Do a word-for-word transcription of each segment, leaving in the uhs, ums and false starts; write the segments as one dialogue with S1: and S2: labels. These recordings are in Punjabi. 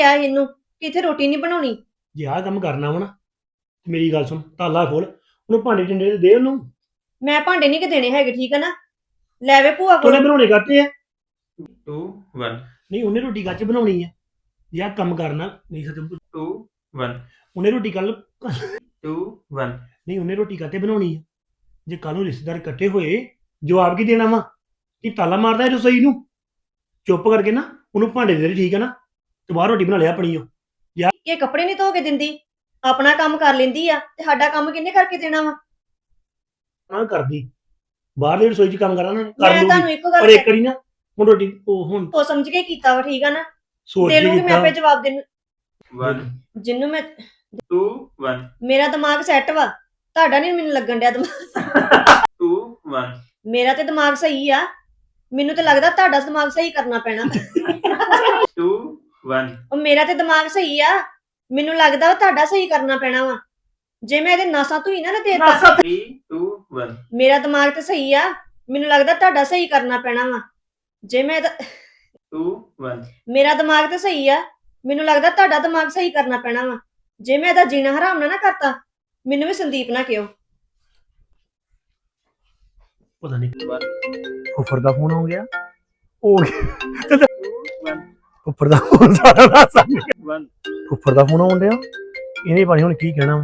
S1: ਕਿਹਾ ਇਹਨੂੰ ਕਿ ਇੱਥੇ ਰੋਟੀ ਨਹੀਂ ਬਣਾਉਣੀ।
S2: ਜੇ ਆਹ ਕੰਮ ਕਰਨਾ ਵਾ ਨਾ ਮੇਰੀ ਗੱਲ ਸੁਣ ਤਾਲਾ ਖੋਲ ਉਹਨੂੰ ਭਾਂਡੇ ਟਿੰਡੇ ਦੇ ਉਹਨੂੰ।
S1: ਮੈਂ ਭਾਂਡੇ ਨਹੀਂ ਕਿ ਦੇਣੇ ਹੈਗੇ, ਠੀਕ ਹੈ ਨਾ। ਲੈ ਵੇ ਭੂਆ
S2: ਉਹਨੇ
S1: ਕੋਲ।
S2: ਬਣਾਉਣੇ ਕਰਤੇ ਆ।
S3: टू वन
S2: ਨਹੀਂ ਉਹਨੇ ਰੋਟੀ ਗੱਚ ਬਣਾਉਣੀ ਆ। ਜੇ ਆਹ ਕੰਮ ਕਰਨਾ ਨਹੀਂ ਸਤਿ
S3: टू वन
S2: ਉਹਨੇ ਰੋਟੀ ਕੱਲ
S3: टू वन
S2: ਨਹੀਂ ਉਹਨੇ ਰੋਟੀ ਕਾਤੇ ਬਣਾਉਣੀ ਆ। ਜੇ ਕੱਲ ਨੂੰ ਰਿਸ਼ਤੇਦਾਰ ਇਕੱਠੇ ਹੋਏ ਜਵਾਬ ਕੀ ਦੇਣਾ ਵਾ ਕਿ ਤਾਲਾ ਮਾਰਦਾ ਹੈ ਰਸੋਈ ਨੂੰ। ਚੁੱਪ ਕਰਕੇ ਨਾ ਉਹਨੂੰ ਭਾਂਡੇ ਦੇ ਦੇ, ਠੀਕ ਹੈ ਨਾ, ਤੇ ਬਾਹਰ ਰੋਟੀ ਬਣਾ ਲਿਆ ਆਪਣੀ ਉਹ।
S1: ਇਹ ਕੱਪੜੇ ਨਹੀਂ ਧੋ ਕੇ ਦਿੰਦੀ, ਆਪਣਾ ਕੰਮ ਕਰ ਲੈਂਦੀ ਆ ਤੇ ਸਾਡਾ ਕੰਮ ਕਿੰਨੇ ਕਰਕੇ ਦੇਣਾ ਵਾ।
S2: ਆਹ ਕਰਦੀ ਬਾਹਰਲੀ ਰਸੋਈ 'ਚ ਕੰਮ ਕਰਨਾ ਨਾ ਕਰ
S1: ਮੈਂ
S2: ਲੂਗੀ,
S1: ਤੁਹਾਨੂੰ ਇੱਕੋ
S2: ਪਰ
S1: ਗੱਲ
S2: ਇੱਕ ਵਾਰੀ ਨਾ ਹੁਣ ਰੋਟੀ ਉਹ ਹੁਣ
S1: ਸੋਚ ਸਮਝ ਕੇ ਕੀਤਾ ਵਾ, ਠੀਕ ਆ ਨਾ।
S2: ਸੋਚ
S1: ਦੇ
S2: ਕੇ
S1: ਲੂੰਗੀ ਮੈਂ
S2: ਕੀਤਾ।
S1: ਆਪੇ ਜਵਾਬ ਦੇਣ
S3: वन
S1: ਜਿੰਨੂੰ ਮੈਂ।
S3: टू वन
S1: ਮੇਰਾ ਦਿਮਾਗ ਸੈੱਟ ਵਾ, ਤੁਹਾਡਾ ਨਹੀਂ ਮੈਨੂੰ ਲੱਗਣ ਡਿਆ ਦਿਮਾਗ।
S3: टू वन
S1: ਮੇਰਾ ਤੇ ਦਿਮਾਗ ਸਹੀ ਆ, ਮੈਨੂੰ ਤੇ ਲੱਗਦਾ ਤੁਹਾਡਾ ਦਿਮਾਗ ਸਹੀ ਕਰਨਾ ਪੈਣਾ।
S3: टू वन
S1: ਉਹ ਮੇਰਾ ਤੇ ਦਿਮਾਗ ਸਹੀ ਆ, ਮੈਨੂੰ ਲੱਗਦਾ ਵਾ ਤੁਹਾਡਾ ਸਹੀ ਕਰਨਾ ਪੈਣਾ ਵਾ। ਜੇ ਮੈਂ ਇਹਦੇ ਨਾਸਾਂ ਧੋਈ ਨਾ ਨਾ ਦੇਤਾ।
S3: थ्री टू वन
S1: ਮੇਰਾ ਦਿਮਾਗ ਤੇ ਸਹੀ ਆ, ਮੈਨੂੰ ਲੱਗਦਾ ਤੁਹਾਡਾ ਸਹੀ ਕਰਨਾ ਪੈਣਾ ਵਾ। ਜੇ ਮੈਂ ਇਹਦਾ-
S3: टू वन
S1: ਮੇਰਾ ਦਿਮਾਗ ਤੇ ਸਹੀ ਆ, ਮੈਨੂੰ ਲੱਗਦਾ ਤੁਹਾਡਾ ਦਿਮਾਗ ਸਹੀ ਕਰਨਾ ਪੈਣਾ ਵਾ। ਜੇ ਮੈਂ ਇਹਦਾ ਜੀਣਾ ਹਰਾਮ ਨਾ ਨਾ ਕਰਤਾ, ਮੈਨੂੰ ਵੀ ਸੰਦੀਪ ਨਾ ਕਿਉ।
S2: ਪਤਾ ਨਹੀਂ
S3: वन
S2: ਫੁੱਫੜ ਦਾ ਫੋਨ ਹੋ ਗਿਆ ਹੋ ਗਿਆ
S3: टू वन
S2: ਫੁੱਫੜ ਦਾ ਫੋਨ ਸਾਰਾ ਰਾਤ
S3: वन
S2: ਫੁੱਫੜ ਦਾ ਫੋਨ ਆਉਣ ਡਿਆ। ਇਹਨੇ ਪਾਣੀ ਹੁਣ ਕੀ ਕਹਿਣਾ ਵਾ।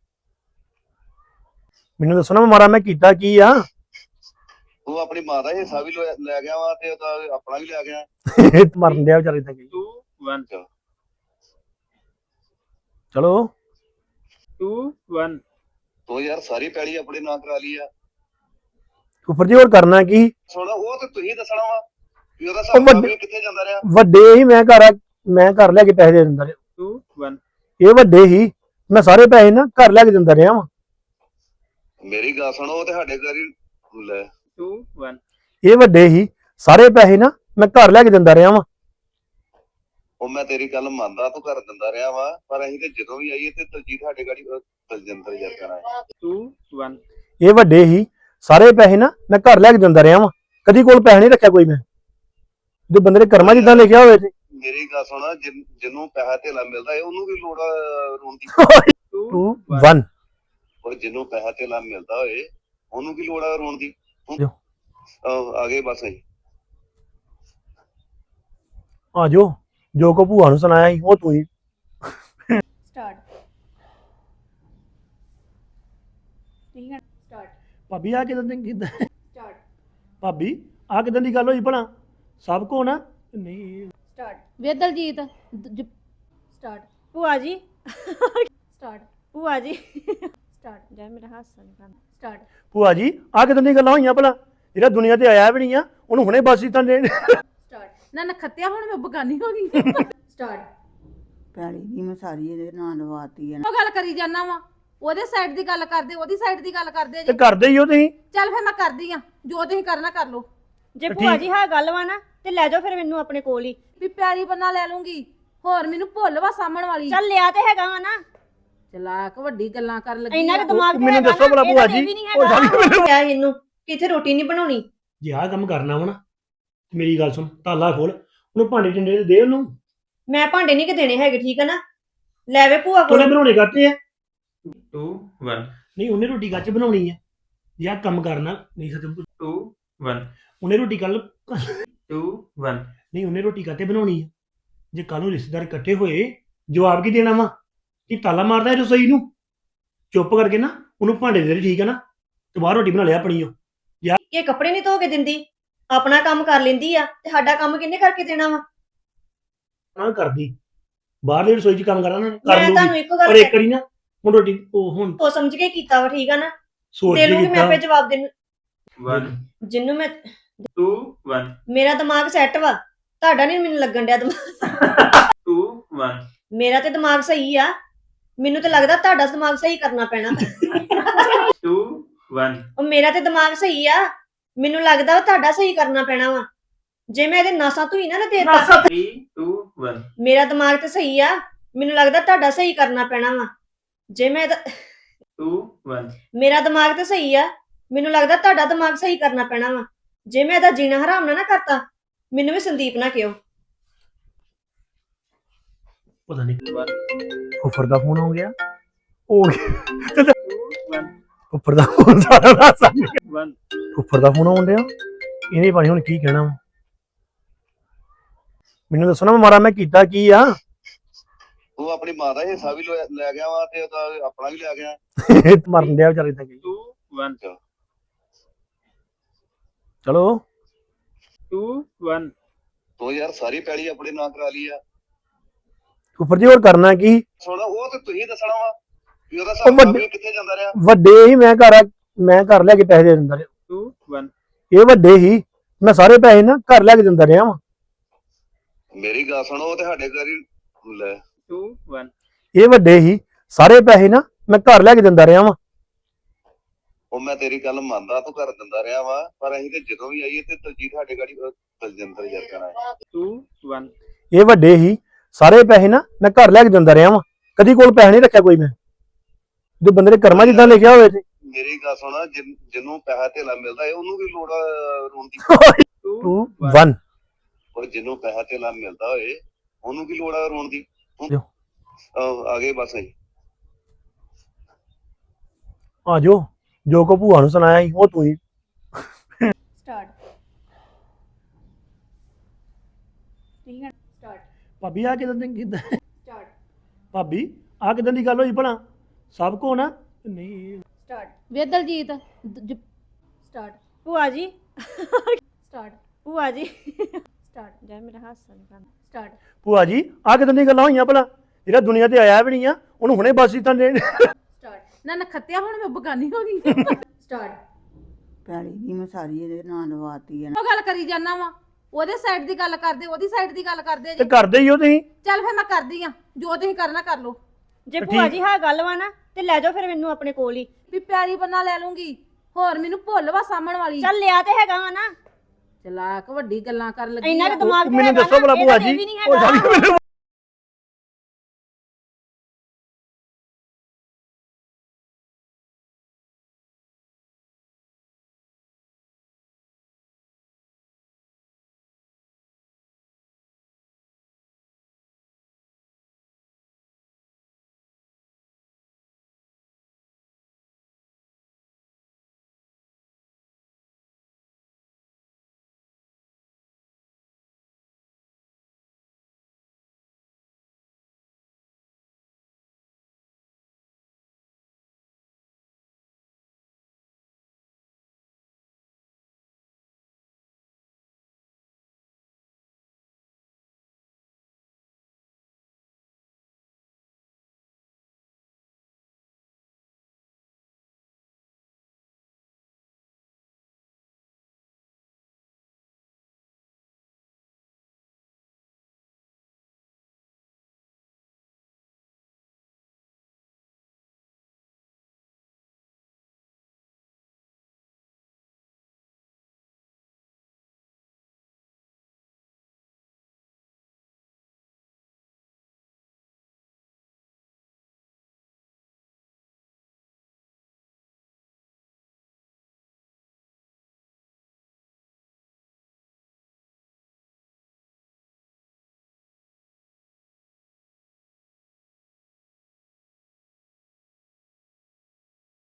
S2: ਮੈਨੂੰ ਦੱਸੋ ਨਾ ਮਾਰਾ ਮੈਂ ਕੀਤਾ ਕੀ ਆ।
S4: ਉਹ ਆਪਣੀ ਮਾਂ ਦਾ ਹਿੱਸਾ ਵੀ ਲੈ ਲੈ ਗਿਆ ਵਾ ਤੇ ਉਹਦਾ ਆਪਣਾ ਵੀ ਲੈ ਗਿਆ।
S2: ਮਰਨ ਡਿਆ ਵਿਚਾਰੇ ਤਾਂ ਗਈ।
S3: टू वन
S2: ਚਲੋ
S3: टू वन
S4: ਤੋ ਯਾਰ ਸਾਰੀ ਪੈਲੀ ਆਪਣੇ ਨਾਂ ਕਰਾ ਲਈ ਆ।
S2: ਫੁੱਫੜ ਜੀ ਹੋਰ ਕਰਨਾ ਕੀ।
S4: ਸੁਣ ਉਹ ਤੇ ਤੁਸੀਂ ਦੱਸਣਾ ਵਾ ਵੀ ਉਹਦਾ
S2: ਉਹ
S4: ਹਿਸਾਬ
S2: ਵੱਡੇ-
S4: ਵੀ ਕਿੱਥੇ ਜਾਂਦਾ ਰਿਹਾ।
S2: ਵੱਡੇ ਹੀ ਮੈਂ ਘਰ ਆ- ਮੈਂ ਘਰ ਲੈ ਕੇ ਪੈਸੇ ਦੇ ਦਿੰਦਾ ਰਿਹਾ।
S3: टू वन
S2: ਇਹ ਵੱਡੇ ਹੀ ਮੈਂ ਸਾਰੇ ਪੈਸੇ ਨਾ ਘਰ ਲੈ ਕੇ ਦਿੰਦਾ ਰਿਹਾ ਵਾਂ।
S4: ਮੇਰੀ ਗੱਲ ਸੁਣੋ, ਉਹ ਤੇ ਸਾਡੇ ਘਰ ਹੀ ਲੈ।
S3: टू वन
S2: ਇਹ ਵੱਡੇ ਹੀ ਸਾਰੇ ਪੈਸੇ ਨਾ ਮੈਂ ਘਰ ਲੈ ਕੇ ਦਿੰਦਾ ਰਿਹਾ ਵਾਂ।
S4: ਉਹ ਮੈਂ ਤੇਰੀ ਗੱਲ ਮੰਨਦਾ, ਤੂੰ ਕਰ ਦਿੰਦਾ ਰਿਹਾ ਵਾ, ਪਰ ਅਸੀਂ ਤੇ ਜਦੋਂ ਵੀ ਆਈਏ ਤੇ ਦਲਜੀਤ ਸਾਡੇ ਗਾੜੀ ਦਲਜਿੰਦਰ ਯਾਰ ਕਰਾਂ।
S3: टू वन
S2: ਇਹ ਵੱਡੇ ਹੀ ਸਾਰੇ ਪੈਸੇ ਨਾ ਮੈਂ ਘਰ ਲੈ ਕੇ ਦਿੰਦਾ ਰਿਹਾ ਵਾਂ। ਕਦੀ ਕੋਲ ਪੈਸੇ ਨਹੀਂ ਰੱਖਿਆ ਕੋਈ ਮੈਂ। ਜੋ ਬੰਦੇ ਦੇ ਕਰਮਾਂ ਜਿੱਦਾਂ ਲਿਖਿਆ ਹੋਵੇ ਤੇ
S4: ਮੇਰੀ ਗੱਲ ਸੁਣ, ਜਿਨ- ਜਿਹਨੂੰ ਪੈਸਾ ਧੇਲਾ ਮਿਲਦਾ ਹੈ ਉਹਨੂੰ ਵੀ ਲੋੜ ਆ ਰੋਣ ਦੀ।
S3: टू
S2: ਟੂ
S3: वन
S2: ਵਨ
S4: ਉਹ ਜਿਹਨੂੰ ਪੈਸਾ ਧੇਲਾ ਮਿਲਦਾ ਹੋਏ ਉਹਨੂੰ ਕੀ ਲੋੜ ਆ ਰੋਣ ਦੀ।
S2: ਜੋ।
S4: ਆਹੋ, ਆ ਗਏ ਬਸ ਅਸੀਂ।
S2: ਆ ਜੋ ਜੋ ਕੋ ਭੂਆ ਨੂੰ ਸੁਣਾਇਆ ਸੀ ਉਹ ਤੂੰ ਹੀ।
S1: ਸਟਾਰਟ ਠੀਕ ਹੈ ਸਟਾਰਟ
S2: ਭਾਬੀ ਆ ਕਿਦਾਂ ਦੀ ਕਿਦਾਂ
S1: ਸਟਾਰਟ
S2: ਭਾਬੀ ਆ ਕਿਦਾਂ ਦੀ ਗੱਲ ਹੋਈ ਭਲਾ ਸਭ ਕੋ ਨਾ ਨਹੀਂ।
S1: ਸਟਾਰਟ
S5: ਵੇ ਦਲਜੀਤ
S1: ਸਟਾਰਟ ਭੂਆ ਜੀ। ਸਟਾਰਟ ਭੂਆ ਜੀ। ਸਟਾਰਟ ਜਾ ਮੇਰਾ ਹਾਸਾ ਨਹੀਂ ਕਰਨਾ। ਸਟਾਰਟ
S2: ਭੂਆ ਜੀ ਆ ਕਿਦਾਂ ਦੀ ਗੱਲਾਂ ਹੋਈਆਂ ਭਲਾ ਜਿਹੜਾ ਦੁਨੀਆ ਤੇ ਆਇਆ ਵੀ ਨਹੀਂ ਆ ਉਹਨੂੰ ਹੁਣੇ ਬਸ ਹੀ ਤਾਂ ਦੇਣ।
S1: ਸਟਾਰਟ
S5: ਨਾ ਨਖੱਤਿਆ ਹੁਣ ਮੈਂ ਬਗਾਨੀ ਹੋ ਗਈ
S1: ਸਟਾਰਟ
S6: ਪੈਲੀ ਵੀ ਮੈਂ ਸਾਰੀ ਇਹਦੇ ਨਾਂ ਲਵਾਤੀ ਹੈ।
S5: ਉਹ ਗੱਲ ਕਰੀ ਜਾਨਾ ਵਾ ਉਹਦੇ ਸਾਈਡ ਦੀ ਗੱਲ ਕਰਦੇ ਉਹਦੀ ਸਾਈਡ ਦੀ ਗੱਲ ਕਰਦੇ
S2: ਤੇ
S5: ਜੀ।
S2: ਕਰਦੇ ਹੀ ਹੋ ਤੁਸੀਂ।
S5: ਚੱਲ ਫਿਰ ਮੈਂ ਕਰਦੀ ਆ ਜੋ ਤੁਸੀਂ ਕਰਨਾ ਕਰ ਲਓ।
S1: ਜੇ
S2: ਤੇ
S1: ਭੂਆ
S2: ਠੀਕ-
S1: ਜੀ ਹਾਂ ਗੱਲ ਵਾ ਨਾ ਤੇ ਲੈ ਜਾਓ ਫਿਰ ਮੈਨੂੰ ਆਪਣੇ ਕੋਲ ਹੀ।
S5: ਵੀ ਪਿਆਲੀ ਬੰਨਾ ਲੈ ਲੂੰਗੀ, ਹੋਰ ਮੈਨੂੰ ਭੁੱਲ ਵਾ ਸਾਹਮਣ ਵਾਲੀ।
S1: ਚੱਲ ਲਿਆ ਤੇ ਹੈਗਾ ਵਾ ਨਾ,
S5: ਚਲਾਕ ਵੱਡੀ ਗੱਲਾਂ ਕਰਨ ਲੱਗੀ
S1: ਇੰਨਾ
S5: ਆ।
S1: ਕੁ ਦਿਮਾਗ ਤੇ
S2: ਮੈਨੂੰ
S1: ਹੈਗਾ
S2: ਦੱਸੋ
S1: ਨਾ,
S2: ਭਲਾ
S1: ਇਹਦਾ
S2: ਭੂਆ
S1: ਤੇ
S2: ਜੀ,
S1: ਵੀ ਨਹੀਂ
S2: ਉਹ
S1: ਹੈਗਾ।
S2: ਸਾਰੀ ਮੈਨੂੰ-
S1: ਕਿਹਾ ਇਹਨੂੰ ਕਿ ਇੱਥੇ ਰੋਟੀ ਨਹੀਂ ਬਣਾਉਣੀ।
S2: ਜੇ ਆਹ ਕੰਮ ਕਰਨਾ ਵਾ ਨਾ ਮੇਰੀ ਗੱਲ ਸੁਣ ਤਾਲਾ ਖੋਲ ਉਹਨੂੰ ਭਾਂਡੇ ਟਿੰਡੇ ਦੇ ਉਹਨੂੰ।
S1: ਮੈਂ ਭਾਂਡੇ ਨਹੀਂ ਕਿ ਦੇਣੇ ਹੈਗੇ, ਠੀਕ ਹੈ ਨਾ। ਲੈ ਵੇ ਭੂਆ ਕੋਲ।
S2: ਉਹਨੇ ਬਣਾਉਣੇ ਕਰਤੇ ਆ।
S3: टू वन
S2: ਨਹੀਂ ਉਹਨੇ ਰੋਟੀ ਗੱਚ ਬਣਾਉਣੀ ਆ। ਜੇ ਆਹ ਕੰਮ ਕਰਨਾ ਨਹੀਂ ਸਤਿ
S3: टू वन
S2: ਉਹਨੇ ਰੋਟੀ ਕੱਲ
S3: टू वन
S2: ਨਹੀਂ ਉਹਨੇ ਰੋਟੀ ਕਾਤੇ ਬਣਾਉਣੀ ਆ। ਜੇ ਕੱਲ ਨੂੰ ਰਿਸ਼ਤੇਦਾਰ ਇਕੱਠੇ ਹੋਏ ਜਵਾਬ ਕੀ ਦੇਣਾ ਵਾ ਕਿ ਤਾਲਾ ਮਾਰਦਾ ਹੈ ਰਸੋਈ ਨੂੰ। ਚੁੱਪ ਕਰਕੇ ਨਾ ਉਹਨੂੰ ਭਾਂਡੇ ਦੇ ਦੇ, ਠੀਕ ਹੈ ਨਾ, ਤੇ ਬਾਹਰ ਰੋਟੀ ਬਣਾ ਲਿਆ ਆਪਣੀ ਉਹ।
S1: ਇਹ ਕੱਪੜੇ ਨਹੀਂ ਧੋ ਕੇ ਦਿੰਦੀ, ਆਪਣਾ ਕੰਮ ਕਰ ਲੈਂਦੀ ਆ ਤੇ ਸਾਡਾ ਕੰਮ ਕਿੰਨੇ ਕਰਕੇ ਦੇਣਾ ਵਾ।
S2: ਆਹ ਕਰਦੀ ਬਾਹਰਲੀ ਰਸੋਈ 'ਚ ਕੰਮ ਕਰਨਾ ਨਾ ਕਰ
S1: ਮੈਂ ਤੁਹਾਨੂੰ
S2: ਲੂਗੀ,
S1: ਇੱਕੋ
S2: ਪਰ
S1: ਗੱਲ
S2: ਇੱਕ ਵਾਰੀ ਨਾ ਹੁਣ ਰੋਟੀ ਉਹ ਹੁਣ
S1: ਸੋਚ ਸਮਝ ਕੇ ਕੀਤਾ ਵਾ, ਠੀਕ ਆ ਨਾ।
S2: ਸੋਚ
S1: ਦੇ
S2: ਕੇ
S1: ਲੂੰਗੀ ਮੈਂ
S2: ਕੀਤਾ।
S1: ਆਪੇ ਜਵਾਬ ਦੇਣ
S3: वन
S1: ਜਿੰਨੂੰ ਮੈਂ।
S3: टू वन
S1: ਮੇਰਾ ਦਿਮਾਗ ਸੈੱਟ ਵਾ, ਤੁਹਾਡਾ ਨਹੀਂ ਮੈਨੂੰ ਲੱਗਣ ਡਿਆ ਦਿਮਾਗ।
S3: टू वन
S1: ਮੇਰਾ ਤੇ ਦਿਮਾਗ ਸਹੀ ਆ, ਮੈਨੂੰ ਤੇ ਲੱਗਦਾ ਤੁਹਾਡਾ ਦਿਮਾਗ ਸਹੀ ਕਰਨਾ ਪੈਣਾ।
S3: टू वन
S1: ਉਹ ਮੇਰਾ ਤੇ ਦਿਮਾਗ ਸਹੀ ਆ, ਮੈਨੂੰ ਲੱਗਦਾ ਵਾ ਤੁਹਾਡਾ ਸਹੀ ਕਰਨਾ ਪੈਣਾ ਵਾ। ਜੇ ਮੈਂ ਇਹਦੇ ਨਾਸਾਂ ਧੋਈ ਨਾ ਨਾ ਦੇਤਾ।
S3: थ्री टू वन
S1: ਮੇਰਾ ਦਿਮਾਗ ਤੇ ਸਹੀ ਆ, ਮੈਨੂੰ ਲੱਗਦਾ ਤੁਹਾਡਾ ਸਹੀ ਕਰਨਾ ਪੈਣਾ ਵਾ। ਜੇ ਮੈਂ ਇਹਦਾ-
S3: टू वन
S1: ਮੇਰਾ ਦਿਮਾਗ ਤੇ ਸਹੀ ਆ, ਮੈਨੂੰ ਲੱਗਦਾ ਤੁਹਾਡਾ ਦਿਮਾਗ ਸਹੀ ਕਰਨਾ ਪੈਣਾ ਵਾ। ਜੇ ਮੈਂ ਇਹਦਾ ਜੀਣਾ ਹਰਾਮ ਨਾ ਨਾ ਕਰਤਾ, ਮੈਨੂੰ ਵੀ ਸੰਦੀਪ ਨਾ ਕਿਉ।
S2: ਪਤਾ ਨਹੀਂ
S3: one,
S2: ਫੁੱਫੜ ਦਾ ਫੋਨ ਹੋ ਗਿਆ ਹੋ ਗਿਆ
S3: two, one,
S2: ਫੁੱਫੜ ਦਾ ਫੋਨ ਸਾਰਾ ਰਾਤ
S3: one,
S2: ਫੁੱਫੜ ਦਾ ਫੋਨ ਆਉਣ ਡਿਆ ਇਹਨੇ ਪਾਣੀ ਹੁਣ ਕੀ ਕਹਿਣਾ ਵਾ ਮੈਨੂੰ ਦੱਸੋ ਨਾ ਮਾਰਾ ਮੈਂ ਕੀਤਾ ਕੀ ਆ
S4: ਤੂੰ ਆਪਣੀ ਮਾਂ ਦਾ ਹਿੱਸਾ ਵੀ ਲੈ ਲੈ ਗਿਆ ਵਾ ਤੇ ਉਹਦਾ ਆਪਣਾ ਵੀ ਲੈ ਗਿਆ।
S2: ਮਰਨ ਡਿਆ ਵਿਚਾਰੇ ਤਾਂ ਗਈ
S3: two, one,
S2: ਚਲੋ
S3: two, one,
S4: ਤੂੰ ਯਾਰ ਸਾਰੀ ਪੈਲੀ ਆਪਣੇ ਨਾਂ ਕਰਾ ਲਈ ਆ।
S2: ਫੁੱਫੜ ਜੀ ਹੋਰ ਕਰਨਾ ਕੀ
S4: ਸੁਣ ਉਹ ਤੇ ਤੁਸੀਂ ਦੱਸਣਾ ਵਾ ਵੀ ਉਹਦਾ
S2: ਉਹ
S4: ਹਿਸਾਬ
S2: ਵੱਡੇ-
S4: ਵੀ ਕਿੱਥੇ ਜਾਂਦਾ ਰਿਹਾ।
S2: ਵੱਡੇ ਹੀ ਮੈਂ ਘਰ ਮੈਂ ਘਰ ਲੈ ਕੇ ਪੈਸੇ ਦੇ ਦਿੰਦਾ ਰਿਹਾ
S3: two, one,
S2: ਇਹ ਵੱਡੇ ਹੀ ਮੈਂ ਸਾਰੇ ਪੈਸੇ ਨਾ ਘਰ ਲੈ ਕੇ ਦਿੰਦਾ ਰਿਹਾ ਵਾਂ
S4: ਮੇਰੀ ਗੱਲ ਸੁਣੋ ਉਹ ਤੇ ਸਾਡੇ ਘਰ ਹੀ ਲੈ
S3: two, one,
S2: ਇਹ ਵੱਡੇ ਹੀ ਸਾਰੇ ਪੈਸੇ ਨਾ ਮੈਂ ਘਰ ਲੈ ਕੇ ਦਿੰਦਾ ਰਿਹਾ ਵਾਂ
S4: ਉਹ ਮੈਂ ਤੇਰੀ ਗੱਲ ਮੰਨਦਾ ਤੂੰ ਕਰ ਦਿੰਦਾ ਰਿਹਾ ਵਾ ਪਰ ਅਸੀਂ ਤੇ ਜਦੋਂ ਵੀ ਆਈਏ ਤੇ ਦਲਜੀਤ ਸਾਡੇ ਗਾੜੀ ਦਲਜਿੰਦਰ ਜਰਕਣਾ ਹੈ।
S3: two, one,
S2: ਇਹ ਵੱਡੇ ਹੀ ਸਾਰੇ ਪੈਸੇ ਨਾ ਮੈਂ ਘਰ ਲੈ ਕੇ ਦਿੰਦਾ ਰਿਹਾ ਵਾਂ ਕਦੀ ਕੋਲ ਪੈਸੇ ਨਹੀਂ ਰੱਖਿਆ ਕੋਈ ਮੈਂ ਜੋ ਬੰਦੇ ਨੇ ਕਰਮਾਂ ਜਿੱਦਾਂ ਲਿਖਿਆ ਹੋਵੇ ਤੇ
S4: ਮੇਰੀ ਗੱਲ ਸੁਣਾ ਜਿਨ- ਜਿਹਨੂੰ ਪੈਸਾ ਧੇਲਾ ਮਿਲਦਾ ਹੈ ਉਹਨੂੰ ਵੀ ਲੋੜ ਆ ਰੋਣ ਦੀ।
S3: two,
S2: ਟੂ
S3: one,
S2: ਵਨ
S4: ਉਹ ਜਿਹਨੂੰ ਪੈਸਾ ਧੇਲਾ ਮਿਲਦਾ ਹੋਏ ਉਹਨੂੰ ਕੀ ਲੋੜ ਆ ਰੋਣ ਦੀ।
S2: ਜੋ।
S4: ਆਹ, ਆ ਗਏ ਬਸ ਅਸੀਂ।
S2: ਆ ਜੋ ਜੋ ਕੋ ਭੂਆ ਨੂੰ ਸੁਣਾਇਆ ਸੀ ਉਹ ਤੂੰ ਹੀ
S1: ਸਟਾਰਟ ਠੀਕ ਹੈ ਸਟਾਰਟ
S2: ਭਾਬੀ ਆ ਕਿਦਾਂ ਦੀ ਕਿਦਾਂ
S1: ਸਟਾਰਟ
S2: ਭਾਬੀ ਆ ਕਿਦਾਂ ਦੀ ਗੱਲ ਹੋਈ ਭਲਾ ਸਭ ਕੋ ਨਾ ਨਹੀਂ
S1: ਸਟਾਰਟ
S5: ਵੇ ਦਲਜੀਤ ਜ-
S1: ਸਟਾਰਟ ਭੂਆ ਜੀ ਸਟਾਰਟ ਭੂਆ ਜੀ ਸਟਾਰਟ ਜੈ ਮੇਰਾ ਹਾਸਾ ਨਿਕਾਲ ਸਟਾਰਟ
S2: ਭੂਆ ਜੀ ਆ ਕਿਦਾਂ ਦੀ ਗੱਲਾਂ ਹੋਈਆਂ ਭਲਾ ਜਿਹੜਾ ਦੁਨੀਆ ਤੇ ਆਇਆ ਵੀ ਨਹੀਂ ਆ ਉਹਨੂੰ ਹੁਣੇ ਬਸ ਤਾਂ ਦੇ
S1: ਸਟਾਰਟ
S5: ਨਾ ਨਖੱਤਿਆ ਹੁਣ ਮੈਂ ਬਗਾਨੀ ਹੋ ਗਈ
S1: ਸਟਾਰਟ
S6: ਪੈਲੀ ਵੀ ਮੈਂ ਸਾਰੀ ਇਹਦੇ ਨਾਂ ਲਵਾਤੀ ਹੈ ਨਾ।
S5: ਉਹ ਗੱਲ ਕਰੀ ਜਾਨਾ ਵਾ ਉਹਦੇ ਸਾਈਡ ਦੀ ਗੱਲ ਕਰਦੇ ਉਹਦੀ ਸਾਈਡ ਦੀ ਗੱਲ ਕਰਦੇ
S2: ਤੇ
S5: ਜੀ
S2: ਕਰਦੇ ਹੀ ਹੋ ਤੁਸੀਂ
S5: ਚੱਲ ਫਿਰ ਮੈਂ ਕਰਦੀ ਆ ਜੋ ਤੁਸੀਂ ਕਰਨਾ ਕਰ ਲਓ
S1: ਜੇ
S2: ਤੇ
S1: ਭੂਆ
S2: ਠੀਕ-
S1: ਜੀ ਹਾਂ ਗੱਲ ਵਾ ਨਾ ਤੇ ਲੈ ਜਾਓ ਫਿਰ ਮੈਨੂੰ ਆਪਣੇ ਕੋਲ ਹੀ
S5: ਵੀ ਪਿਆਲੀ ਬੰਨਾ ਲੈ ਲੂੰਗੀ ਹੋਰ ਮੈਨੂੰ ਭੁੱਲ ਵਾ ਸਾਹਮਣ ਵਾਲੀ
S1: ਚੱਲ ਲਿਆ ਤੇ ਹੈਗਾ ਵਾ ਨਾ
S5: ਚਲਾਕ ਵੱਡੀ ਗੱਲਾਂ ਕਰਨ ਲੱਗੀ
S1: ਇੰਨਾ
S5: ਆ।
S1: ਕੁ ਦਿਮਾਗ ਤੇ
S2: ਮੈਨੂੰ
S1: ਹੈਗਾ
S2: ਦੱਸੋ
S1: ਨਾ,
S2: ਭਲਾ
S1: ਇਹਦਾ
S2: ਭੂਆ
S1: ਤੇ
S2: ਜੀ
S1: ਵੀ ਨਹੀਂ
S2: ਉਹ
S1: ਹੈਗਾ।
S2: ਸਾਡੀ ਮੈਨੂੰ